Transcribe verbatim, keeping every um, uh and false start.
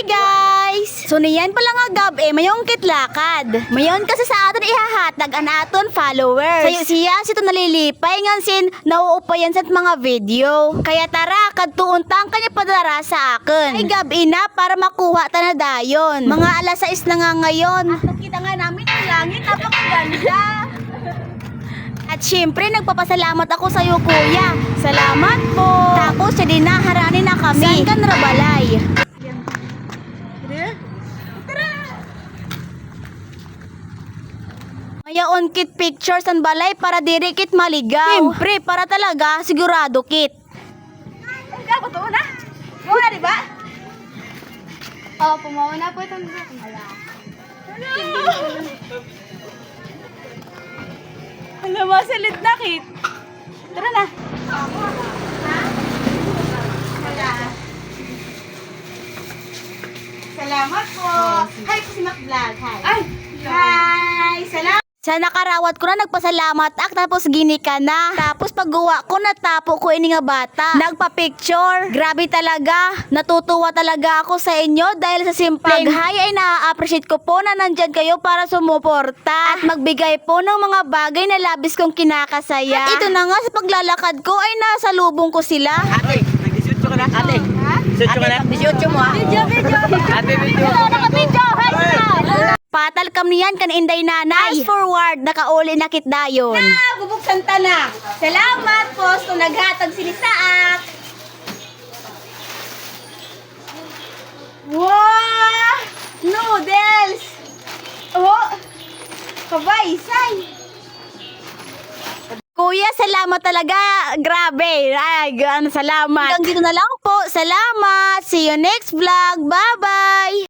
guys! So niyan pala nga gab eh, mayong kitlakad. Mayon kasi sa aton ihahatag an aton followers. Sayo siya sito nalilipay ngan sin nauupayan sa mga video. Kaya tara, kadtuuntang kanya padara sa akin. Ay gab ina para makuha ta na dayon. Mga alas sais na nga ngayon. At nakita nga namin ang langit, napakaganda. At syempre, nagpapasalamat ako sa iyo, kuya. Salamat po. Tapos, siya din na, harani na kami. Saan ka narabalay? Mayaon kit pictures ang balay para diri kit maligaw. Siyempre, para talaga, sigurado kit. Ikaw, ba ito na? Muna, di ba? Oo, pumawa na po itong wala. Alam mo, salit na kit. Tara na. Salamat po. Hi po si Mac Vlog. Hi. Ay! Hi. Salamat. Sa nakarawat ko na nagpasalamat ak tapos gini ka na. Tapos pagguwa ko natapo ko ini nga bata. Nagpa-picture. Grabe talaga. Natutuwa talaga ako sa inyo dahil sa simpleng hi ay na-appreciate ko po na nandyan kayo para sumuporta at magbigay po ng mga bagay na labis kong kinakasaya. At ito na nga sa paglalakad ko ay nasa lubong ko sila. Ate, nag-disyocho ka na? Ate, disyocho ka na? disyocho mo ha? Video, video. Ate, video. Naka-video. Patal kam niyan kan inday nanay. Fast forward, nakauli na kit dayon. Na, bubuksan ta na. Salamat po sa naghatag sini saak. Wow! Noodles! Oh! Kabaysay! Kuya, salamat talaga. Grabe. Ay, ano, salamat. Hanggang dito na lang po. Salamat. See you next vlog. Bye-bye.